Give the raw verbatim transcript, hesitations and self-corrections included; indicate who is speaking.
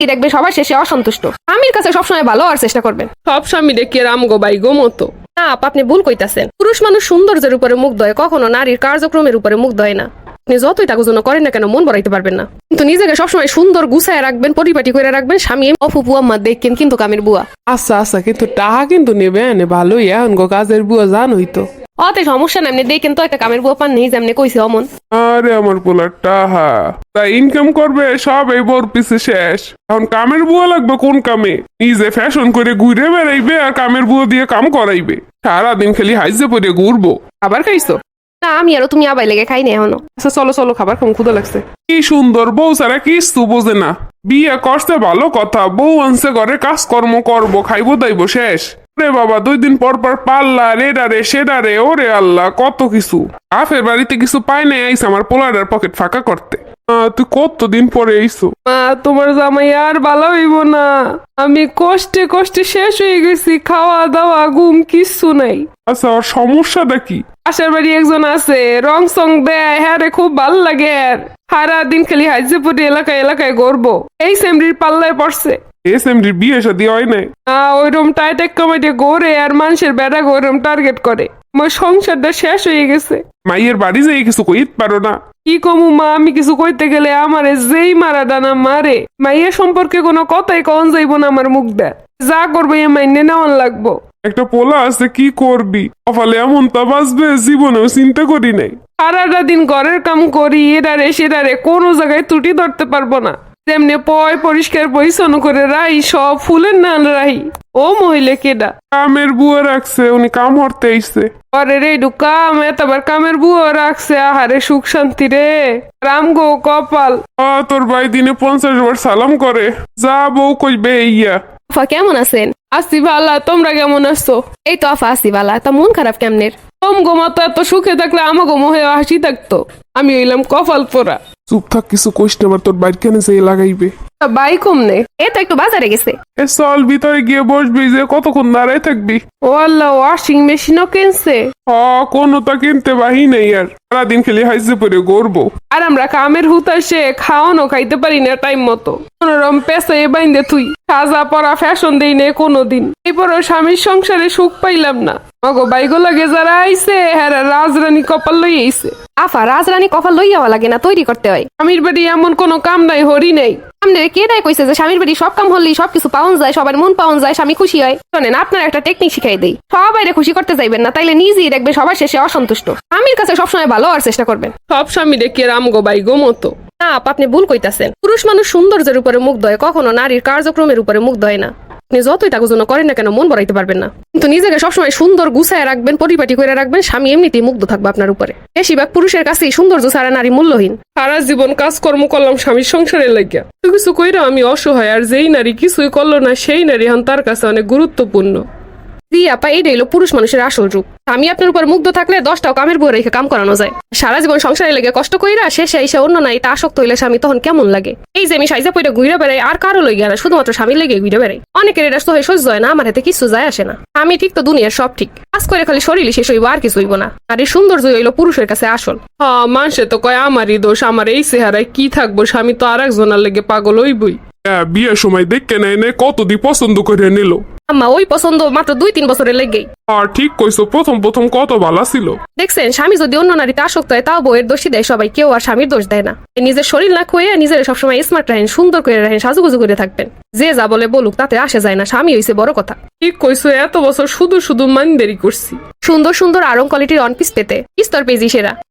Speaker 1: দেখবে সবার শেষে অসন্তুষ্ট। স্বামীর কাছে সবসময় ভালো হওয়ার চেষ্টা করবেন।
Speaker 2: সব স্বামী রে রাম গো বাই গো মতো।
Speaker 1: না আপা, আপনি ভুল কইতাছেন। পুরুষ মানুষ সৌন্দর্যের উপরে মুগ্ধ হয়, কখনো নারীর কার্যক্রমের উপরে মুগ্ধ হয় না। আপনি যতই তাকে জন্য করেন না কেন মন বড়াইতে পারবেন না, কিন্তু নিজেকে সবসময় সুন্দর গুছায় রাখবেন, পরিপাটি করে রাখবেন। স্বামী অফুপু আম্মা দেখেন কিন্তু কামের বুয়া।
Speaker 2: আচ্ছা আচ্ছা, কিন্তু টাকা কিন্তু নেবে এনে ভালোই এখন গো কাজের বুয়া জানোই তো।
Speaker 1: অতে সমস্যা নাই, আপনি দেখেন তো একটা কামের বুয়া পান নেই যেমনি কইছে অমন।
Speaker 3: আরে আমার পোলার টাহা তা ইনকাম করবে সব এই বোর পিছে শেষ। এখন কামের বুয়া লাগবে কোন কামে? নিজে ফ্যাশন করে ঘুরে বেড়াইবে আর কামের বুয়া দিয়ে কাম করাইবে। সারাদিন খালি হাইজে পরে ঘুরবো।
Speaker 2: খাবার খাইছো?
Speaker 1: না আমি আরো তুমি আবাই লেগে খাই না এখনো।
Speaker 2: আচ্ছা চলো চলো, খাবার খাম, ক্ষুধা লাগছে।
Speaker 3: কি সুন্দর বউ ছাড়া কিছু বোঝে না। বিয়ে করছে ভালো কথা, বউ আনছে ঘরে কাজকর্ম করবো, খাইবো দাইবো শেষ। রে বাবা দুই দিন পর পর পাল্লা রেডারে সেডারে, ওরে আল্লাহ কত কিছু। আফের বাড়িতে কিছু পাই নাই, আইস আমার পোলারের পকেট ফাঁকা করতে। আহ, তুই কতদিন পরে আইসো?
Speaker 2: মা তোমার জামাই আর ভালো হইব না। আমি কষ্টে কষ্টে শেষ হয়ে গেছি, খাওয়া দাওয়া ঘুম কিচ্ছু নাই।
Speaker 3: আচ্ছা ওর সমস্যাটা কি?
Speaker 2: পাশের বাড়ি একজন আছে, রং সং দেয়, হ্যাঁ রে খুব ভাল লাগে। আর সারা দিন খালি হাইজে পড়ে এলাকায় এলাকায় গড়বো। এই সেমরির পাল্লায় পড়ছে।
Speaker 3: এস এম ডির বিয়ে শাদী হয় নাই?
Speaker 2: আহ ওইরকম টাইটেক কমাইটে গড়ে আর মানুষের বেড়া ওইরকম টার্গেট করে। আমার সংসারটা শেষ হয়ে গেছে।
Speaker 3: মাইয়ের বাড়ি যাই কিছু কইতে পারো না?
Speaker 2: কি কমু মা, আমি কিছু কইতে গেলে আমারে যেই মারা ডানা মারে। মাইয়ের সম্পর্কে কোনো কথাই কন যাইব না আমার মুখ দেয়। যা করবো এ মাইনে নেওয়ান লাগবো।
Speaker 3: একটা পোলা আছে, কি করবি? কপালে এমন তা বাঁচবে জীবনেও চিন্তা করি নাই।
Speaker 2: সারাটা দিন ঘরের কাম করি, এটারে সেটারে কোনো জায়গায় ত্রুটি ধরতে পারবো না। তেমনি পয় পরিষ্কার পরিচ্ছন্ন করে রাই, সব ফুলের নান রাহি। ও মহিলা কেডা?
Speaker 3: কামের বুয়া রাখছে, উনি কাম হরতে আইসে।
Speaker 2: আরে রে কাম এতবার কামের বুয়া রাখছে, আহারে সুখ শান্তি রে। রাম গো কপাল।
Speaker 3: আ তোর ভাই দিনে পঞ্চাশ বার সালাম করে। যা বউ কইবে ইয়া।
Speaker 1: আফা কেমন আছেন?
Speaker 2: আসি ভালা, তোমরা কেমন আছো?
Speaker 1: এই তো আফা আসি বালা। তা মন খারাপ কেমনের?
Speaker 2: তোম গো মতো এত সুখে থাকলে আমাকে মোহে হাসি থাকতো। আমি হইলাম কপাল পোড়া।
Speaker 3: চুপ থাক, কিছু কইস না, আবার তোর বাইর কেন যে লাগাইবে।
Speaker 2: বাই কমনে?
Speaker 1: এ তো একটু বাজারে গেছে।
Speaker 3: এ চল ভিতরে গিয়ে বসবি, যে কতক্ষণ দাঁড়ায় থাকবি?
Speaker 2: ও আল্লাহ, ওয়াশিং মেশিনও কিনছে।
Speaker 3: হ কোনো তা কিনতে বাহি নেই আর, সারাদিন খেলি হাইজে পরে গড়বো।
Speaker 2: আর আমরা কামের হুতাশে খাওয়ানো খাইতে পারি না টাইম মতো। কোনরম পেছে বাইন্দে তুই সাজা পরা ফ্যাশন দেই নে কোনোদিন। এরপর স্বামীর সংসারে সুখ পাইলাম না। মগো বাইগো লাগে যারা আইছে হ্যাঁ রাজরানী কপাল লই আইছে।
Speaker 1: আফা রাজরানী কফা লই যাওয়া লাগে না, তৈরি করতে হয়।
Speaker 2: স্বামীর বাড়ি এমন কোনো কাম নাই, হরি নাই।
Speaker 1: আপনার কে দায় কইছে যে স্বামীর বাড়ি সব কাম হলেই সবকিছু পাওয়া যায়, সবার মন পাওয়া যায়, স্বামী খুশি হয়? শোনেন, আপনার একটা টেকনিক শিখাই দেই। সবাইরে খুশি করতে যাইবেন না, তাইলে নিজেই দেখবে সবার শেষে অসন্তুষ্ট। স্বামীর কাছে সবসময় ভালো হওয়ার চেষ্টা করবেন।
Speaker 2: সব স্বামী রে রাম গো বাই গো মতো।
Speaker 1: না আপা, আপনি ভুল কইতাছেন। পুরুষ মানুষ সৌন্দর্যের উপরে মুগ্ধ হয়, কখনো নারীর কার্যক্রমের উপরে মুগ্ধ হয় না। আপনি যতই তাকে জন্য করেন না কেন মন বড়াইতে পারবেন না, কিন্তু নিজেকে সবসময় সুন্দর গুছায় রাখবেন, পরিপাটি করে রাখবেন। স্বামী এমনিতেই মুগ্ধ থাকবে আপনার উপরে। বেশিরভাগ পুরুষের কাছেই সৌন্দর্য ছাড়া নারী মূল্যহীন।
Speaker 2: সারা জীবন কাজকর্ম করলাম স্বামীর সংসারে লাগিয়া, কিছু কইরা আমি অসহায়। আর যেই নারী কিছুই করলো না সেই নারী এখন তার কাছে অনেক গুরুত্বপূর্ণ।
Speaker 1: জি আপা, এইটাই হলো পুরুষ মানুষের আসল রূপ। আমি আপনার উপর মুগ্ধ থাকলে দশটাও কামের বউ রেখে কাম করানো যায়। সারা জীবন সংসারে লেগে কষ্ট কইরা শেষে এসে অন্য নারীতে আসক্ত হইলে স্বামী তখন কেমন লাগে? এই যে আমি সাইজা পইরা ঘুরে বেড়াই, আর কারো লইয়া না, শুধুমাত্র স্বামী লেগে ঘুরে বেড়াই। অনেকের এটা সহ্য সহ্য হয় না, আমার হাতে কিছু যায় আসে না। আমি ঠিক তো দুনিয়ার সব ঠিক। কাজ করে খালি শরীরই শেষ হইব, আর কিছু হইব না। আর এই সৌন্দর্য হইলো পুরুষের কাছে আসল।
Speaker 2: হ্যাঁ, মানুষে তো কয় আমারই দোষ, আমার এই চেহারায় কি থাকবো, স্বামী তো আর একজনের লেগে পাগল হইবই।
Speaker 3: হ্যাঁ, বিয়ের সময় দেখে নেয় নে কতদি পছন্দ করে নিল।
Speaker 1: আম্মা ওই পছন্দ মাত্র দুই তিন বছরের লেগেই।
Speaker 3: আর ঠিক কইছো, প্রথম প্রথম কত ভালো ছিল।
Speaker 1: দেখছেন, স্বামী যদি অন্য নারীতে আসক্ত হয় তাও বউয়ের দোষী দেয় সবাই, কেউ আর স্বামীর দোষ দেয় না। নিজের শরীর না খুঁয়ে নিজের সবসময় স্মার্ট রাখেন, সুন্দর করে রাখেন, সাজুগুজু করে থাকবেন। যে যা বলে বলুক, তাতে আসে যায় না। স্বামী হইছে বড় কথা।
Speaker 2: ঠিক কইছো, এত বছর শুধু শুধু মান দেরি করছি।
Speaker 1: সুন্দর সুন্দর আরং কোয়ালিটির অন পিস পেতে স্তর পেজি সেরা।